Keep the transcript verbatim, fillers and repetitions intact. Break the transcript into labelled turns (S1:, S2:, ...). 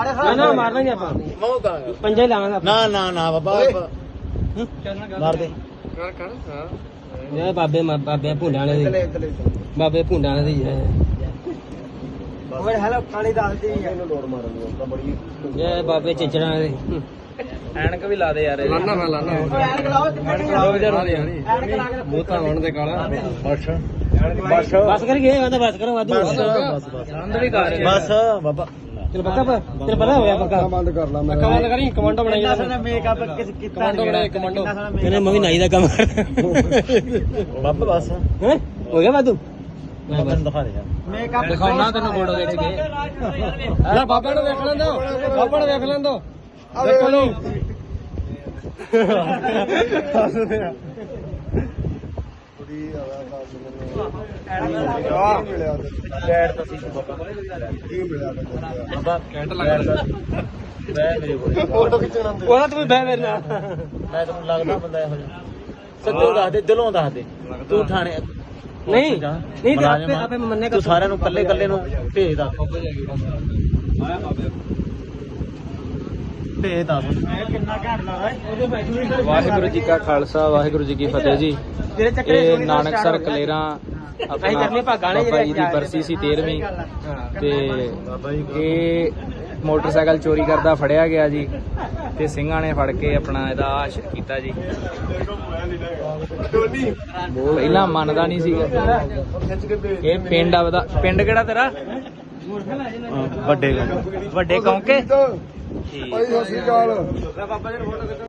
S1: ਨਾ ਨਾ ਮਾਰਨਾ ਨਹੀਂ ਆਪਾਂ
S2: ਮੂੰਹ ਕਰਾਂਗੇ
S1: ਪੰਜਾ ਹੀ ਲਾਵਾਂਗੇ
S2: ਨਾ ਨਾ ਨਾ ਬਾਬਾ ਮਾਰ ਦੇ
S3: ਕਰ ਕਰ ਹਾਂ
S1: ਜੈ ਬਾਬੇ ਬਾਬੇ ਭੁੰਡਾਂ ਵਾਲੇ ਦੀ ਬਾਬੇ ਭੁੰਡਾਂ ਵਾਲੇ ਦੀ
S3: ਓਏ ਹੈਲੋ ਕਾਲੀ ਦੱਸਦੀ
S2: ਇਹਨੂੰ ਲੋੜ ਮਾਰਨ ਦੀ ਤਾਂ ਬੜੀ
S1: ਜੈ ਬਾਬੇ ਚਿਚੜਾਂ ਵਾਲੇ ਦੀ
S3: ਐਨਕ ਵੀ ਲਾ ਦੇ ਯਾਰ ਲਾਣਾ ਮੈਂ ਲਾਣਾ ਐਨਕ ਲਾਓ ਐਨਕ ਲਾ ਕੇ ਮੂੰਹ ਤਾਂ ਵਣ ਦੇ ਕਾਲਾ
S2: ਬਸ ਬਸ
S1: ਬਸ ਕਰ ਗਏ ਮੈਂ ਬਸ ਕਰੋ ਵਾਧੂ
S2: ਬਸ ਬਸ
S3: ਰੰਦ ਵੀ ਕਰ
S2: ਬਸ ਬਾਬਾ
S1: ਤੈਨੂੰ ਪੱਕਾ ਤੈਨੂੰ ਪਤਾ ਹੋਇਆ ਪੱਕਾ
S2: ਬੰਦ ਕਰ ਲਾ ਮੈਂ
S3: ਕਮਾਂਡ ਕਰੀ ਕਮਾਂਡੋ ਬਣਾਈ
S1: ਕਿੰਨਾ
S3: ਮੇਕਅਪ ਕੀਤਾ ਕਮਾਂਡੋ ਬਣਾਈ ਕਮਾਂਡੋ
S1: ਕਹਿੰਦੇ ਮੈਂ ਵੀ ਨਾਈ ਦਾ ਕੰਮ ਕਰ
S2: ਬਾਬਾ ਬਸ
S1: ਹੈ ਹੋ ਗਿਆ ਵਾਧੂ
S2: ਮੈਂ ਤੈਨੂੰ ਦਿਖਾ ਦੇ ਯਾਰ
S3: ਮੇਕਅਪ ਦਿਖਾਉਣਾ ਤੈਨੂੰ ਫੋਟੋ ਖਿੱਚ ਕੇ ਲੈ ਬਾਬਾ ਨੂੰ ਦੇਖ ਲੈਂਦੋ ਬਾਬਾ ਨੂੰ ਦੇਖ ਲੈਂਦੋ ਦੇਖੋ ਲੋ
S2: ਲੈਟ ਤਾਂ ਸੀ ਬਾਬਾ ਕੀ ਮਿਲਿਆ ਬਾਬਾ
S3: ਕੈਂਟ ਲੱਗਦਾ
S2: ਬੈ ਮੇਰੇ ਕੋਲ
S3: ਫੋਟੋ ਖਿੱਚਣਾ
S1: ਉਹਦਾ ਤੂੰ ਬਹਿ ਮੇਰੇ ਨਾਲ
S2: ਮੈਂ ਤੈਨੂੰ ਲੱਗਦਾ ਬੰਦਾ ਇਹੋ ਜਿਹਾ ਸੱਚੋ ਦੱਸ ਦੇ ਦਿਲੋਂ ਦੱਸ ਦੇ ਤੂੰ ਥਾਣੇ
S1: ਨਹੀਂ ਨਹੀਂ ਤੇ ਆਪੇ ਆਪੇ ਮੰਨੇ
S2: ਤੂੰ ਸਾਰਿਆਂ ਨੂੰ ਕੱਲੇ ਕੱਲੇ ਨੂੰ ਭੇਜ ਦੱਸ ਭੇਜ ਦੱਸ
S3: ਕਿੰਨਾ ਘੈਂਟ ਲੱਗਦਾ
S4: ਵਾਹਿਗੁਰੂ ਜੀ ਕਾ ਖਾਲਸਾ ਵਾਹਿਗੁਰੂ ਜੀ ਕੀ ਫਤਿਹ ਜੀ।
S1: ਜਿਹੜੇ ਚੱਕਰੇ
S4: ਇਹ ਨਾਨਕਸਰ ਕਲੇਰਾਂ
S1: ਅਸੀਂ ਕਰਨੇ ਭਾਗਾਂ ਨੇ
S4: ਬਾਬਾ ਜੀ ਦੀ ਬਰਸੀ ਸੀ ਤੇਰਵੀਂ ਤੇ ਇਹ ਮੋਟਰਸਾਈਕਲ ਚੋਰੀ ਕਰਦਾ ਫੜਿਆ ਗਿਆ ਜੀ ਤੇ ਸਿੰਘਾਂ ਨੇ ਫੜ ਕੇ ਆਪਣਾ ਇਹਦਾ ਆਸ਼ਰ ਕੀਤਾ ਜੀ। ਪਹਿਲਾਂ ਮੰਨਦਾ ਨਹੀਂ ਸੀਗਾ। ਇਹ ਪਿੰਡ ਆਵਦਾ ਪਿੰਡ ਕਿਹੜਾ ਤੇਰਾ?
S2: ਵੱਡੇ
S4: ਵੱਡੇ ਕੌਂਕੇ।
S2: ਭਾਈ ਸਤਿ ਸ਼੍ਰੀ ਅਕਾਲ।